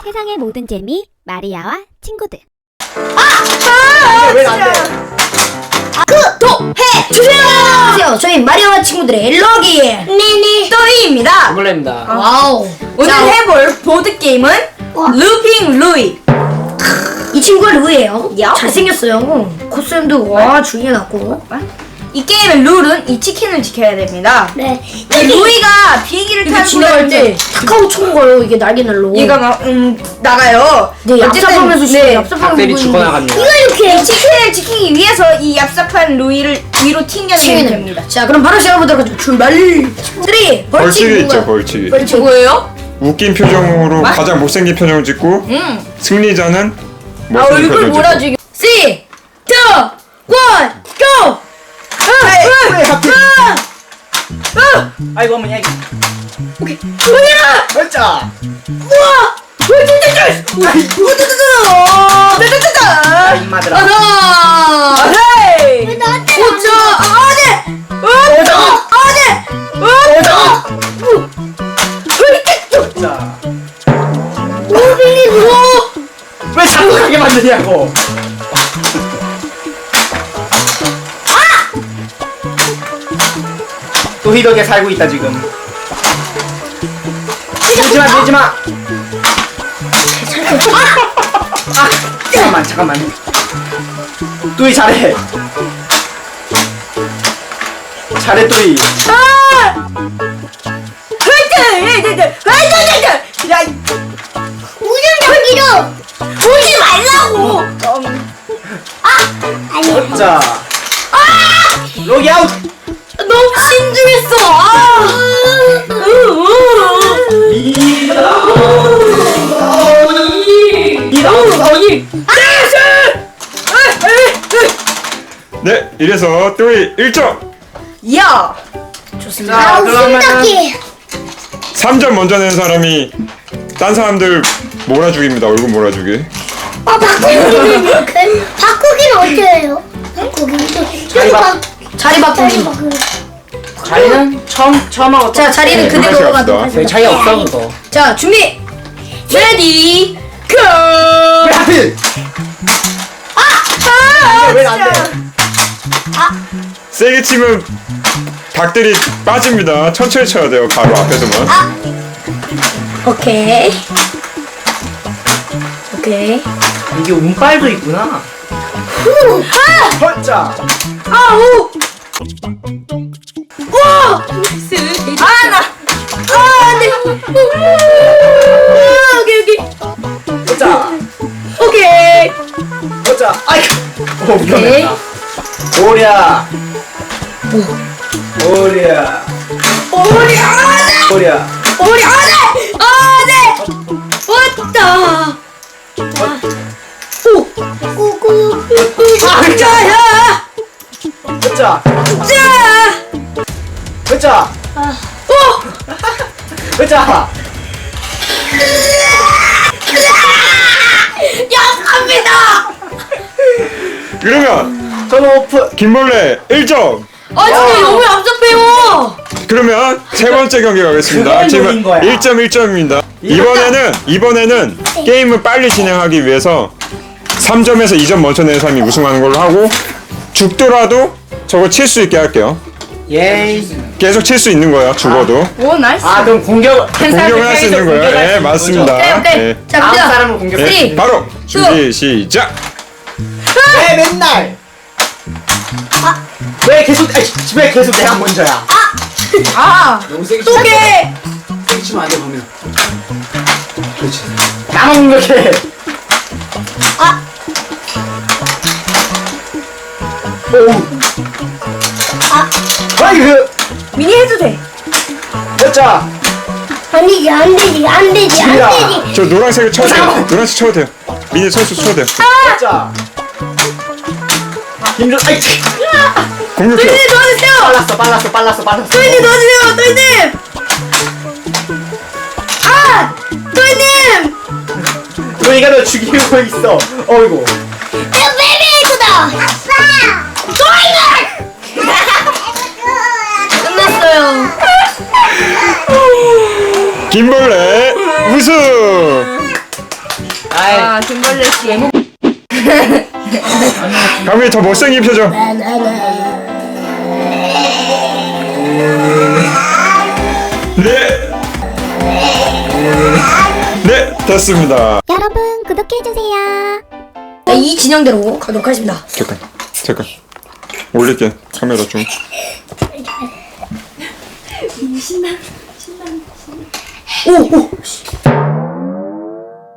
세상의 모든 재미 마리아와 친구들. 왜 안 돼? 구독해 주세요. 안녕하세요. 저희 마리아와 친구들의 럭이 네네. 또이입니다. 몰래입니다. 와우. 오늘 자, 해볼 보드게임은 루핑 루이. 이 친구가 루이에요. 야. 잘생겼어요. 코스염도 와 중요해갖고. 이 게임의 룰은 이 치킨을 지켜야 됩니다. 네. 이 루이가 비행기를 이렇게 타고 지나갈 때 있는데 카카오 총 거요. 이게 날개날로. 얘가 막 나가요. 네, 어쨌든, 얍삽하면서 네. 얍삽하면서 박대리 보이는데. 죽어나갑니다. 이 치킨을 지키기 위해서 이 얍삽한 루이를 위로 튕겨내면 튀기는 됩니다. 자, 그럼 바로 시작해보도록 하죠. 출발. 3. 벌칙 벌칙이 있죠, 뭔가요? 벌칙이. 벌칙 뭐예요? 웃긴 표정으로 가장 못생긴 표정을 짓고 승리자는 못생긴 얼굴 표정을 짓고. 몰아주기. 3, 2, 1, GO! 왜 하필? 아이고 어머니 아이고. 뭐야! 진짜. 우와! 아, 입마들아. 하나! 헤이! 오자! 아네! 진짜. 오빈이 누워! 왜 자꾸 가게 만드냐고. 또 희덕에 살고 있다 지금. 밀지마 밀지마. 아 잠깐만. 또이 잘해. 잘해 또이. 야, 우정적이로! 보지 말라고! 자. 로기 아웃. 너무 신중했어! 네, 이래서 또이 1점! 야! 자 그러면은 3점 먼저 낸 사람이 딴 사람들 몰아주기입니다. 얼굴 몰아주기. 바꾸기는 어떻게 해요? 바꾸기. 자리 바꾸기. 자리는 처음 하고 자, 자리는 네, 그대로 갑시다. 가도록 별 하겠습니다. 차이 없어 그거. 자, 준비! 레디! 고! 왜 하필? 왜안 돼? 세게 치면 닭들이 빠집니다. 천천히 쳐야 돼요. 바로 앞에서만. 오케이. 이게 운빨도 있구나. 헐짜. 아우! 와! 네. 오케이. 헐짜. 오케이. 헐짜. 아이고. 오 오케이. 위험했다. 오랴. 오랴. 오랴. 우리 안해! 왔다! 오! 자야! 헐짜. 자! 헐짜. 오! 헐짜. 약합니다! 그러면 저는 오픈. 김벌레 1점! 아, 진짜 너무 얍삽해요! 그러면 세 번째 경기 가겠습니다. 그게 지금 노린 거야. 1점 1점입니다. 이번에는 게임을 빨리 진행하기 위해서 3점에서 2점 먼저 내는 사람이 우승하는 걸로 하고 죽더라도 저거 칠 수 있게 할게요. 예. 계속 칠 수 있는 거예요. 죽어도. 오, 나이스. 아 그럼 공격을 할 수 있는 거예요. 네, 맞습니다. 오케이. 네. 자, 다음 갑니다. 사람을 공격해. 네, 바로 준비 시작. 왜 맨날? 왜 계속 내가 먼저야? 아! 너무 세게 또 개! 치면 안 돼, 범인아. 그렇지. 나만 공격해. 아이고, 미니 해도 돼. 됐자. 아니지, 안 되지. 저 노란색을 쳐도 돼요. 노란색 쳐도 돼요. 미니 선수 쳐도 돼요. 됐자. 힘좀, 아이, 공격해요. 도와주세요! 빨랐어. 도희님 도와주세요! 도희님! 아! 도희님! 너희가 너 죽이고 있어. 어이구. 베이비에이구다. 아빠. 끝났어요. 김벌레 우승. 아, 김벌레 씨 외모. 강민이 더 못생긴 표정. 네. 네, 됐습니다. 여러분 구독해주세요. 네, 이 진영대로 가도록 하겠습니다. 잠깐. 올릴게. 카메라 좀. 오.